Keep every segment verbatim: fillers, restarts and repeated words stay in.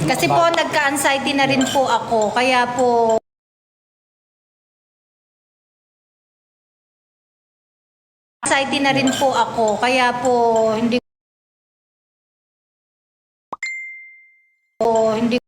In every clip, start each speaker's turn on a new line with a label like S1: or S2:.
S1: Kasi po, nagka-anxiety na rin po ako. Kaya po, anxiety na rin po ako. Kaya po, hindi po, hindi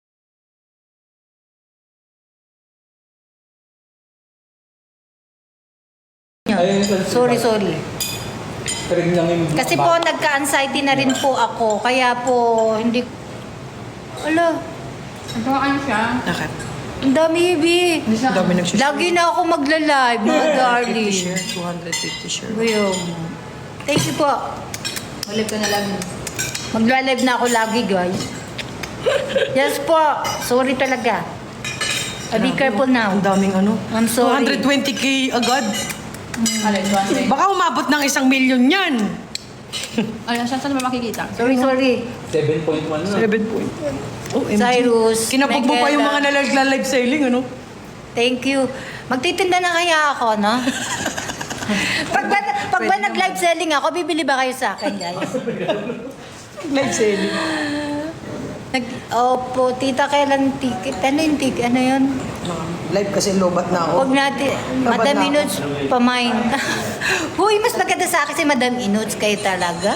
S1: Sorry, sorry. Kasi po, nagka-anxiety na rin po ako. Kaya po, hindi... Ala,
S2: Nagkakaan siya.
S3: Bakit?
S1: ang dami, Ibi.
S3: Ang dami nagsishare.
S1: Lagi na ako magla-live, mga darling.
S3: share, two hundred fifty share.
S1: Ngayon. Thank you po.
S2: Ulit ka na lang.
S1: Magla-live na ako lagi, guys. Yes po. Sorry talaga. Uh, be careful now.
S3: Ang daming ano.
S1: I'm sorry.
S3: two hundred twenty k agad.
S2: Alin, one
S3: Baka umabot ng isang milyon yan.
S2: Alin, saan saan ba makikita?
S1: Sorry, sorry.
S4: seven point one na.
S3: seven point one. O M G.
S1: Cyrus,
S3: Kinabog mo pa yung mga
S1: Megela.
S3: nalagla-live selling, ano?
S1: Thank you. Magtitinda na kaya ako, no? pag ba, pag ba nag-live selling ako, bibili ba kayo sa akin, guys?
S3: Live selling.
S1: Nag, opo, tita, kailan ticket? Ano yung ticket? Ano yun?
S3: Live kasi lobat na ako.
S1: Huwag natin,
S3: Babad
S1: Madam
S3: na ako.
S1: Inuts, pamain. Huy, mas maganda sa akin si Madam Inuts kayo talaga.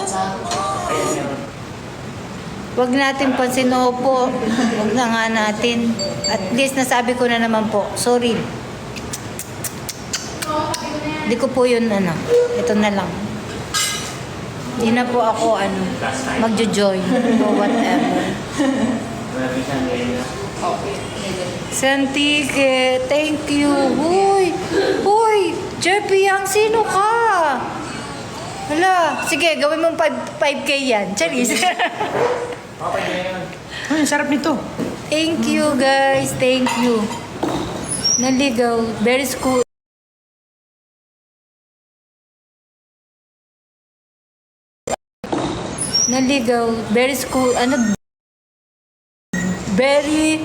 S1: Huwag natin pansin, opo. Huwag na nga natin. At least nasabi ko na naman po. Sorry. Hindi ko po yun, ano. Ito na lang. Hindi na po ako, ano, magjo-join o whatever. Santike, thank you. Huy, huy, Jeffy Yang, sino ka? Hala, sige, gawin mong five K yan. Charis.
S3: Ay, sarap nito.
S1: Thank you, guys. Thank you. Naligaw. Very school. Naligaw. Very school. Ano? Very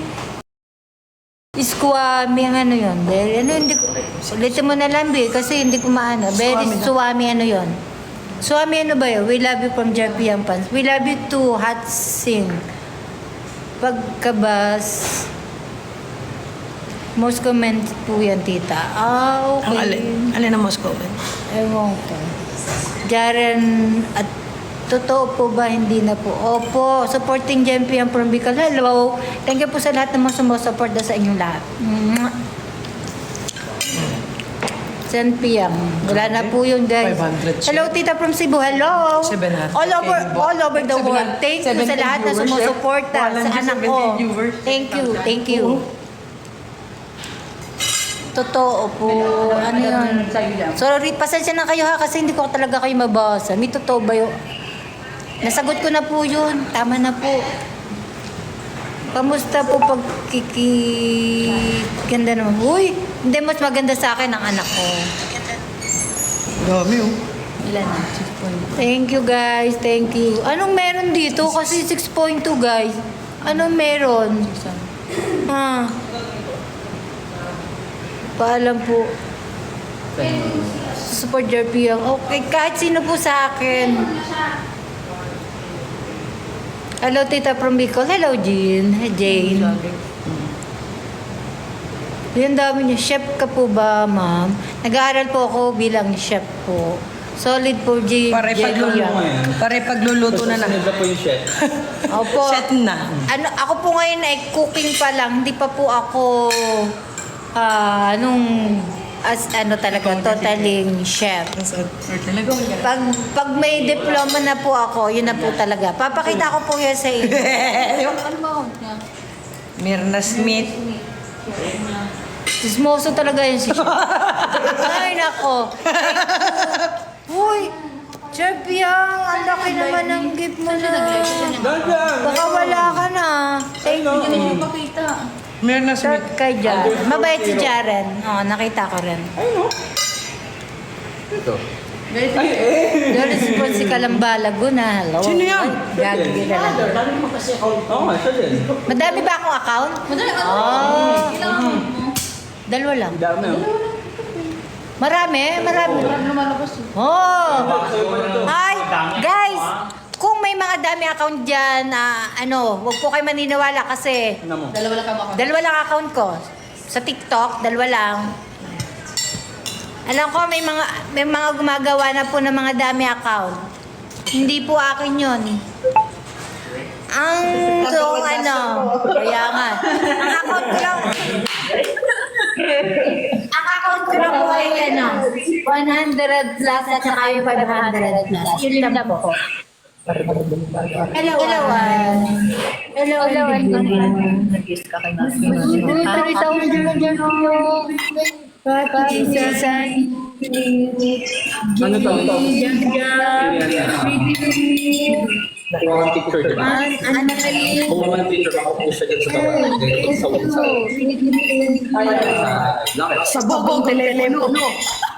S1: Squami ang ano yun. Very, ano, hindi ko, ulitin mo na lang, Bi, kasi hindi ko maano. Very
S3: Squami na.
S1: Suwami, ano yun. Suwami, ano ba yun? We love you from Jeffy Yang Pans. We love you too, Hot Sing. Pagkabas, most comment po yan, tita. Ah, okay.
S3: Ang alin. Alin ang most comment?
S1: Ewan ko. Jaren, at totoo po ba? Hindi na po. Opo, supporting Jempy ang from Bicol. Hello. Thank you po sa lahat ng mga sumusupport na sa inyong lahat. Mwah. ten P M Wala na po yun, guys.
S3: five hundred
S1: Hello, tita from Cebu. Hello.
S3: seven hundred
S1: All over,
S3: K.
S1: all over the
S3: seven
S1: world.
S3: hundred
S1: Thank you sa
S3: seventeen
S1: lahat na
S3: viewers,
S1: sumusuporta
S3: yeah.
S1: sa anak ko.
S3: seventeen viewers.
S1: Thank you, thank you. Totoo po. Ano yun? Sorry, pasensya na kayo ha kasi hindi ko talaga kayo mabasa. May totoo ba yun? Nasagot ko na po yun. Tama na po. Kamusta po pag kiki... Ganda naman. Uy, hindi mas maganda sa akin ang anak ko.
S3: Dami oh.
S1: Ilan na? Thank you guys. Thank you. Anong meron dito? Kasi six point two guys. Anong meron? Ha? Paalam po. Support your P M. Okay, kahit sino po sa akin. Hello, Tita from Bicol. Hello, Jean. Hey, Jane. Yan dami niya. Chef ka po ba, ma'am? Nag-aaral po ako bilang chef po. Solid po, Jane.
S3: Pare pagluluto. Pare pagluluto na lang.
S4: Susunod na po yung chef.
S1: Opo.
S3: Set na.
S1: Ano, ako po ngayon ay cooking pa lang. Hindi pa po ako ah, nung as ano talaga, totaling chef.
S3: Talaga.
S1: Pag, pag may diploma na po ako, yun na po talaga. Papakita ko po yan sa inyo. Ano ba?
S3: Mirna Smith.
S1: Sismoso talaga yun si chef. Ay, nako. Uy, Chef Yang, ang laki naman ng gift mo na. Baka wala ka na. Thank you.
S2: Hindi mo makita.
S3: Mirna Smith.
S1: Short kay Jaren. Mabait si Jaren. Oo, nakita ko rin.
S4: Ito.
S2: Very
S4: Ay, eh!
S1: The response si Kalamba Laguna. Hello.
S3: Sino yan?
S1: Gagi na lang.
S4: Oo nga, siya din.
S1: Madami ba akong account?
S2: Madali ka.
S1: Oh.
S2: Kailangan mo.
S1: Dalawa lang.
S4: Ang dami oh.
S1: Marami, marami.
S2: Parang lumalabas.
S1: Oh! Hi! Guys! Kung may may mga dami account dyan na ano, wag po kayo maniniwala kasi
S4: Ano mo?
S2: Dalawa lang kamo ako.
S1: dalawa lang account ko. Sa TikTok, dalawa lang. Alam ko may mga may mga gumagawa na po ng mga dami account. Hindi po akin 'yon. Ang so ano, kaya nga. Ang account ko lang. Ang account ko lang po ay ano, one hundred plus at saka yung five hundred plus. Yun lang po. Hello, Elawan. Hello, Elawan.
S2: Nag-kiss ka kay Mas.
S1: Uy, tarita mo dyan dyan yung Pati Susan.
S4: Ano to? Kuha ng picture dyan.
S1: Ano kayo?
S4: Kuha ng picture ako po siya dyan sa tawa. Sa sa-
S1: Ito.
S4: Sa- Lakit.
S3: Sa bobong telepono.